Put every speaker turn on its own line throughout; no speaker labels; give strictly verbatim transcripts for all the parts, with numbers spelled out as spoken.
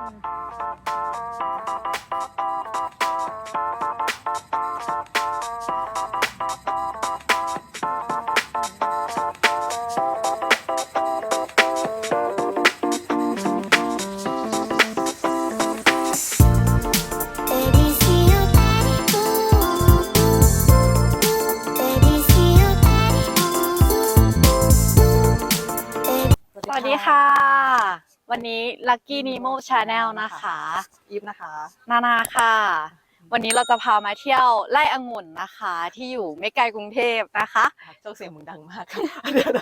สวัสดีค่ะวันนี้ Lucky Nemo Channel นะคะ
อีฟนะคะ
นานาค่ะวันนี้เราจะพามาเที่ยวไร่องุ่นนะคะที่อยู่ไม่ไกลกรุงเทพนะคะ
เจ้าเสียงมึงดังมากค่ะเดี๋ยว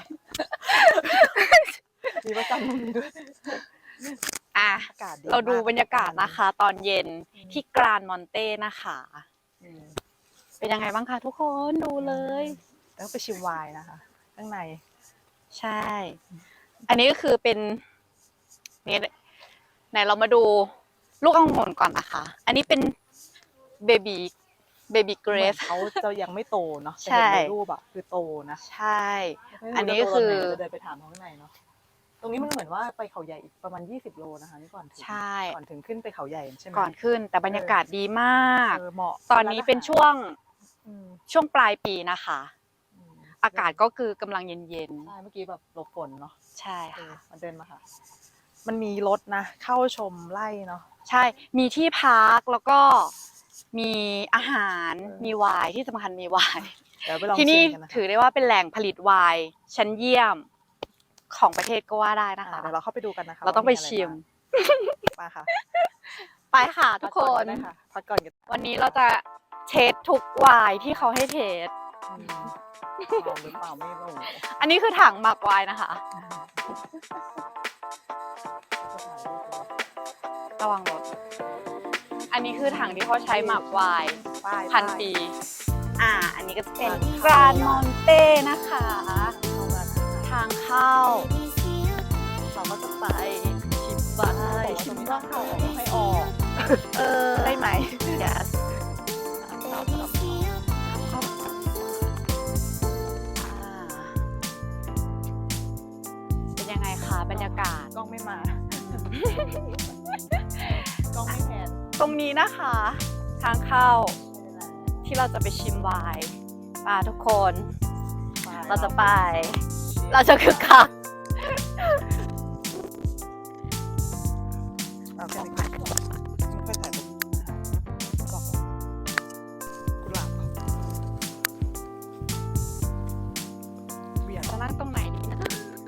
มีประจำตรงนี้ด้วย
อ่ะเราดูบรรยากาศนะคะตอนเย็นที่กรานมอนเต้นะคะเป็นยังไงบ้างคะทุกคนดูเลย
แล้วไปชิมไวน์นะคะข้างใน
ใช่อันนี้ก็คือเป็นนี่ไหนเรามาดูลูกองุ่นก่อนนะคะอันนี้เป็นเบบีเบบีเกรส
เขาจะยังไม่โตเนาะ
ใช่
ในรูปอะคือโตนะ
ใช่อันนี้คือ
จะเดินไปถามเขาข้างในเนาะตรงนี้มันเหมือนว่าไปเขาใหญ่อีกประมาณยี่สิบโลนะคะนี่ก่อนถึง
ใช่
ก่อนถึงขึ้นไปเขาใหญ่ใช่ไหม
ก่อนขึ้นแต่บรรยากาศดีมาก
เหมาะ
ตอนนี้เป็นช่วงช่วงปลายปีนะคะอากาศก็คือกำลังเย็น
ๆใช่เมื่อกี้แบบหลบฝนเนาะ
ใช่ค่ะ
มันเดินมาค่ะมันมีรถนะเข้าชมไร่เนาะ
ใช่มีที่พักแล้วก็มีอาหารมีไวน์ที่สำคัญมีไวน์ที่นี่ถือได้ว่าเป็นแหล่งผลิตไวน์ชั้นเยี่ยมของประเทศก็ว่าได้นะคะ
เดี๋ยวเราเข้าไปดูกันนะคะ
เราต้องไปชิม
มาค่ะ
ไปค่ะทุกคน
พักก่อน
วันนี้เราจะเทสทุกไวน์ที่เขาให้เทส
หรือเปล่าไม่รู้
อันนี้คือถังหมักไวน์นะคะระวังรถอันนี้คือถังที่เขาใช้หมักไวน์พันปีอ่าอันนี้ก็จะเป็นกรานมอนเต้นะคะทางเข้าเราก็จะไปชิมไวน์
ชิมว่าเขาให้ออก
เออ
ได้ไหม
yesเป็นยังไงคะบรรยากาศ
กล้องไม่มากล้องไม่แพน
ตรงนี้นะคะทางเข้าที่เราจะไปชิมไวน์ป่าทุกคนเราจะไปเราจะคึกคัก
เราแค่ไม่ค่อยถ่ายรูปกุหลาบ
เวียนจะนั่งตรงไหนดีนะ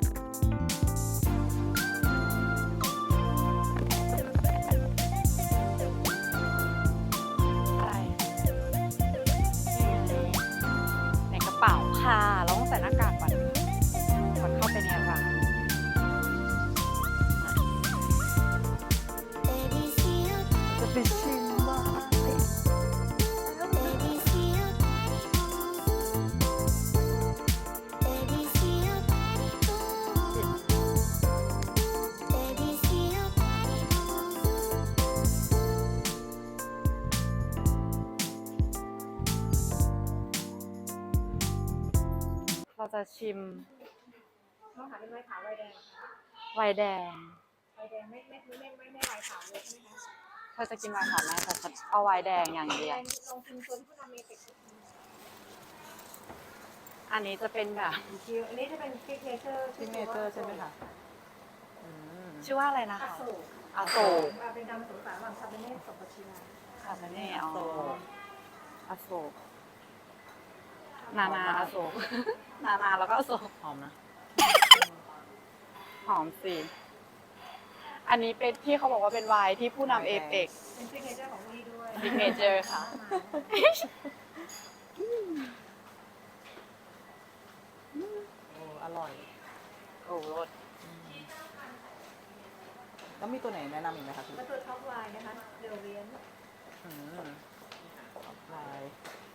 ในกระเป๋าค่ะเราต้องใส่หน้ากากก่อนก่อนเข้าไปในร้าน
จะไปชิมว่า
เราจะชิม
มะขามเป็นไวน์ขาวไวน์แดง
ไวน์แดง
ไวน์แดงไม่ไม่ไม่ไม่ไม่ไวน์ขาวเลยใช่ไหมคะ
เธอจะกินไวน์ขาวไหมแต่ฉันเอาไวน์แดงอย่างเดียว
ลองชิมตัวที่ผู้นำเมติก
อันนี้จะเป็นแบบ
อันนี้จะเป็นซิกเนเจอร์
ซิกเนเจอร์ใช่ไหมคะ
ชื่อว่าอะไรนะคะ
อโศก
อโศก
เป็นการผสมผสานระหว่างคาเบเน่กับปาชินา
คาเบเน่อ๋ออโศกนานาอโศกนานาแล้วก็อโศก
หอมนะ
หอมสิอันนี้เป็นที่เขาบอกว่าเป็นไวน์ที่ผู้นำเอเปก
เป็นซิกเนเจอร์ของพี่ด้วย
ซิกเนเจอร์ค่ะ
โอ้อร่อย
โอ้รส
แล้วมีตัวไหนแนะนำอีกไหมคะพี่
แล้วตัวท็อปไวน์นะคะเดลเวียน
ท็อปไวน์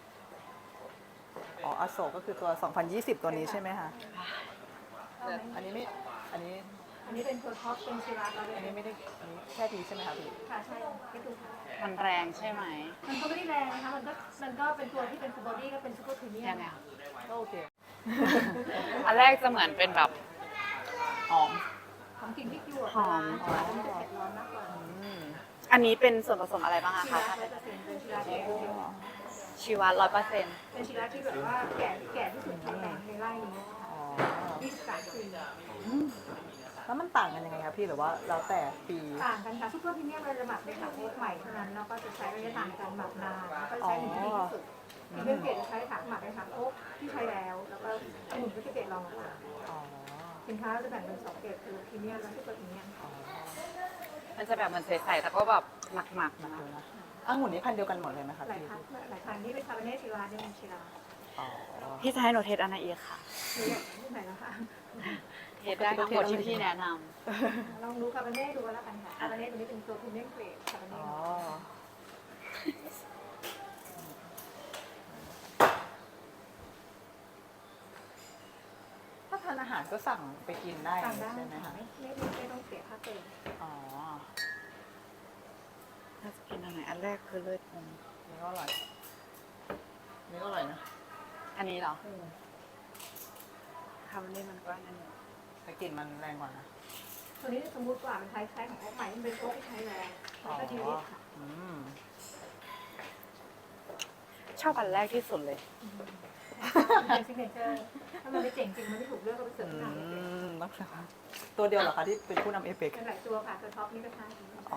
อ๋ออโศกก็คือตัวสองพันยี่สิบตัวนี้ใช่ไหมคะอันนี้ไม่อันนี้
อันนี้เป็นตัวท็อปเป็นชิราเรา
อันนี้ไม่ได้อันนี้แค่ทีใช่ไหมคะพี่
ค่ะใช่ไม่ถูกค่ะ
มันแรงใช่ไหม
มันก็ไม่ได้แรงนะคะมันก็มันก็เป็นตัวที่เป็นฟูลบอดี้ก็เป็นซูเปอร์พรีเมียม
ก็โอเค
อันแรกจะเหมือนเป็นแบบหอม
หอมกลิ่นพริกหยวก
หอม
หอมจะเผ็ดร้อนมากกว่า
อันนี้เป็นส่วนผสมอะไรบ้างอะ
ชี
คะ
ระร้อยเปอร์เซ็นต์เป็นชีระที่เป็น
ชีวะร้อยเปอร์เซ็นต์
เป็นชีระที่แบบว่าแก่แก่ที่สุดในในไร่นี้
อ๋อ
ยี่สิบสามปี
แล้วมันต่างกันยังไงคะพี่หรือว่าแล้วแต่ปี
ต่างกันค่ะซุปเปอร์พรีเมียมเราจะหมักในถังโอ๊กใหม่เท่านั้นแล้วก็จะใช้ระยะทางในการหมักนานแล้วก็ใช้หนึ่งที่ดีที่สุดพรีเมียมเกรดจะใช้ถังหมักในถังโอ๊กที่ใช้แล้ว แล้วก็องุ่นก็จะเกรดรองลงมา
อ๋อ
สินค้าจะแบ่งเป็นสองเกรดคือพรีเมียมและซุปเปอร์พรีเมียม
อ๋อ
มันจะแบบเหมือนใสๆแต่ก็แบบหมักๆ
มา
นะ
ดูนะองุ่นนี้พันธุ์เดียวกันหมดเลยไหมคะ
หลาย
พี่
พันหลายพันนี่เป็นคาร์บอเนตชิราเนี่ยเป็นชิรา
อ๋อ
พี่จะให้หนูเทสอันไหนอีกค่ะ
คืออย่างนี้ไหนแล้วค่ะ
เทสได้ทั้งหมดที่พี่แนะน
ลองดูคาร์บอเนตดูแล้วกันค่ะคาร์บอเนตตัวนี้เป็นตัวพรีเมียมเกรดคาร์บอเน
อ๋
ต
อ ถ้าทานอาหารก็สั่งไปกินได้
ต่างได้
ใช่ไหม
ค่ะ
คะ
ไม่ไม่ไม่ไม่ต้องเสียค่าเติม
อ๋อ
ำถ้าจะกินอันไหนอันแรกคือเลือดนม
นี่ก็อร่อยนี่ก็อร่อยนะ
อันนี้เหรอคาร์บอนเนตมันก็อันนั้นอยู่
แต่กลิ่นมันแรงกว่านะ
ตัวนี้สมมติว่ามันใช้ใช้ของโอ๊กใหม่มันเป็นโอ๊กที่ใช้แล้วแล้วก็ดีลิทค่ะ
อืม
ชอบอันแรกที่สุดเลย
เป็นซิกเนเจอร์ถ้ามันไม่เจ๋งจริงมันไม่ถูกเลือกก็ไปเสิร์ฟที่ร้านเอเปก
อืมต้องใช่ไหมตัวเดียวเหรอคะที่เป็นผู้นำเอเปก
เป็นหลายตัวค่ะตัวท็อปนี่ก็ใช่
อ๋อ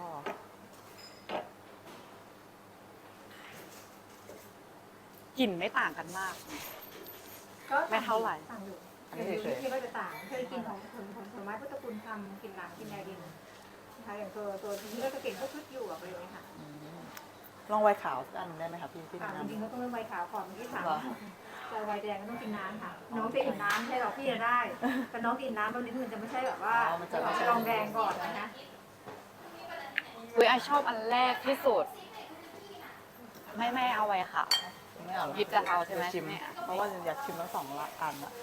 กลิ่นไม่ต่างกันมาก
ก็
ไม่เท่าไหร่
ต่างอยู่
อัน
เดี๋
นี้
ยว
เฉย
ที่ก็จะต่างเคยกินของของของผลไม้พุทธคุณทำกินหลังกินยาดินนะคะอย่างตัวตัวนี้ก็จะเก่งพวกชุดอยู่อะไรอย่างเงี้ยค่ะ
ๆอืมลองไวน์ขาวสักอันได้ไหมคะพี่ที่
ค่ะ
แนะ
จริงๆ
นำ
ก็ต้องเริ่มใบขาวก่อนเมื่อกี้ถาม
เหรอ
แต่ใบแดงก็ต้องกินน้ำค่ะ น้องจะอิ่มน้ำใช่หรอพี่จะได้ แต่น้องกินน้ำตอนนี้มันจะไม่ใช่แบบว่าลองแดงก่อนนะคะ
อุ้ยไอชอบอันแรกที่สุด ไม่ไม่เอาไว้ค่ะ
ไม่เอาหรอ
หยิบจะเอาใช่ไหม
ดี๋ยวชิม
ไม่เอา
เพราะว่าอยากชิมทั้งสองละอันอะ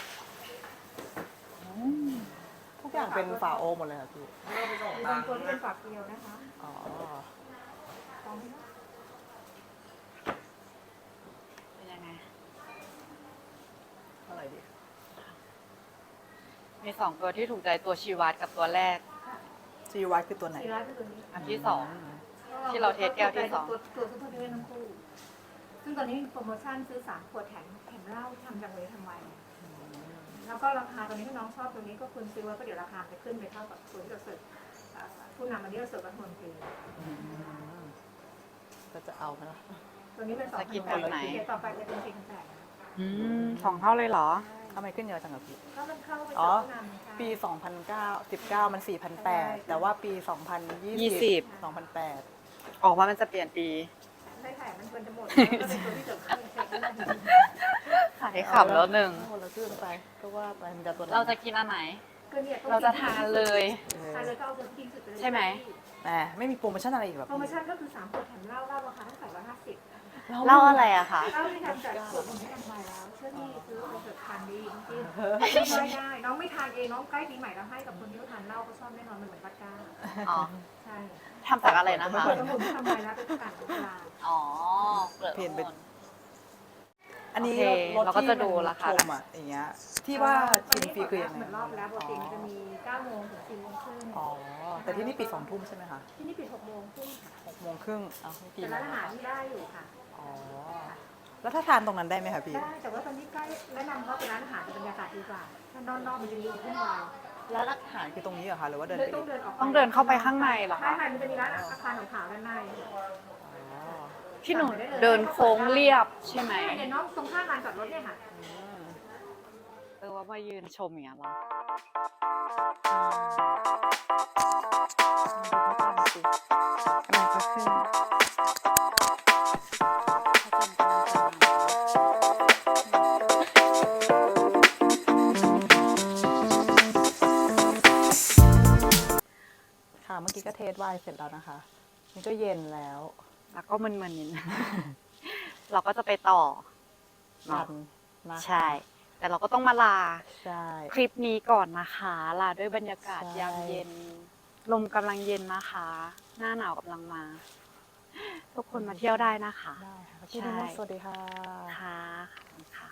ทุกอย่างเป็นฝาโอหมดเลยค่ะพี่
มีบางตัวที่เป็นฝักเดียวนะคะ
อ๋อ
ลองไหมคะ
เป็นยังไง
อะไรดี
มีสองตัวที่ถูกใจตัวชีวัตกับตัวแรก
ซีวัตคือตัวไหน
ซีรัสคือตัวนี้
อันที่สอง ที่เราเทสแก้วที่สอง
ตัวตัวซุปเปอร์เวทั้งคู่ ซึ่งตอนนี้มีโปรโมชั่นซื้อสามขวดแถมแถมเหล้าทำจากเลยทำไม แล้วก็ราคาตอนนี้ถ้าน้องชอบตัวนี้ก็คุณซื้อไว้ก็เดี๋ยวราคาจะขึ้นไปเท่ากับตัวที่เราเสิร์ฟอ่าผู้นำมาที่เราเสิร์ฟรัฐมนตรี
อืมก็จะเอาไหมล่ะ
ตัวนี้เป็นสอง
จะกินแบบไหน
เดี๋ยวต่อไปจะเป็นสี่พันแปด
อืมสองเท่าเลยเหรอ
ทำไมขึ้นเยอะจังอะพี่
ก็มันเข้าไป
อ๋อ
เสิร์ฟผู้นำใช่
ปี สองพันเก้า สิบเก้า มัน สี่พันแปด แต่ว่าปี สองพันยี่
ยี่
สิ
สิ
บ สองพันแปด
ออกว่ามันจะเปลี่ยนปี
ใช่ค่ะมันควรจะหมดแล้วก็เป็นตัวที่เสิร์ฟเครื่องเสร็จแล้ว
ขายขำแล้วหนึ่ง
คนละครึ่งไป ก็ว่าไปมันจะตัวไหน
เราจะกินอันไหน
ก็เนี่ย
เราจะทานเลย
เออ
ทานเลยก็เอาตัวที่ดีสุดไปเลย
ใช่ไหม
แหมไม่มีโปรโมชั่นอะไรอีกแบบ
โปรโมชั่นก็คือสามขวดแถมเหล้าเหล้าราคาตั้งแต่ร้อยห้าสิบ
เล่าอะไรอะคะ
เหล้าที่ทำจากขวดผมไม่ทำมาแล้วเชื่อที่ซื้อเอาเถอะทานดีจริงๆไม่ได้ น้องไม่ทานเองน้องใกล้ปีใหม่เราให้กับคนที่เขาทานเหล้าก็ชอบแน่นอนมันเหมือนวัดก้า
อ๋อ
ใช่
ทำจากอะไรนะคะ
ขวดสมุนที่ทำมาแล้วเป็นประกาศของตลาด
อ๋อเปลือก
เปลี่ยนเป็น
องุ่
อันนี้
โอเค
รถ
เราก็
ที่
จะดูราคา
ชมอ่ะอย่างเงี้ย ที่ว่าชิมฟรีคือยังไง
เหมือนรอบแล้วปกติมันจะมีเก้าโมงถึงสี่โมงครึ่ง
อ๋อ แต่ที่นี่ปิดสองทุ่มใช่ไหมคะ
ที่นี่ปิดหกโมงครึ่งค่ะ
หกโมงครึ่งอ้าวไม่กี่
แต่ร้านอาหารที่ได้อยู่ค่ะ
อ๋อ แล้วถ้าทานตรงนั้นได้ไหมคะพี่
ได้แต่ว่าตอนนี้ใกล้แนะนำว่าเป็นร้านอาหารบรรยากาศดีกว่าถ้านอกๆมันจะมีวุ่นวาย
ร้านอาหารคือตรงนี้เหรอคะ หรือว่าเดิน
เล
ไป
ยต้อง
อีก
เดินออก
ต้องเดินเข้าไปข้างในเหรอ
ใช่
คะ
ค่ะมันจะมีร้านอาคารขาวๆด้านใน
อ๋อ
ที่หนูเดินโค้งเรียบใช่ไหม
ใช่เนี่ยน้องตรงข้ามลานจอดรถเนี่ยค่ะ
อืม
เออว่ามายืนชมอย่างเงี้ยเหรออะไรก็ขึ้น
ค่ะ เมื่อกี้ก็เทสไวน์เสร็จแล้วนะคะ นี่ก็เย็นแล้ว
แล้วก็มึนๆนิดนึง เราก็จะไปต่อ
กันนะ
ใช่ แต่เราก็ต้องมาลา
ใช่
คลิปนี้ก่อนนะคะ ลาด้วยบรรยากาศ
ใช่
ยามเย็น ลมกำลังเย็นนะคะ หน้าหนาวกำลังมา ทุกคนมาเที่ยวได้นะคะ
ได้ค่ะพี่นุ่นสวัสดีค่ะ
ค่ะขอบคุณค่ะ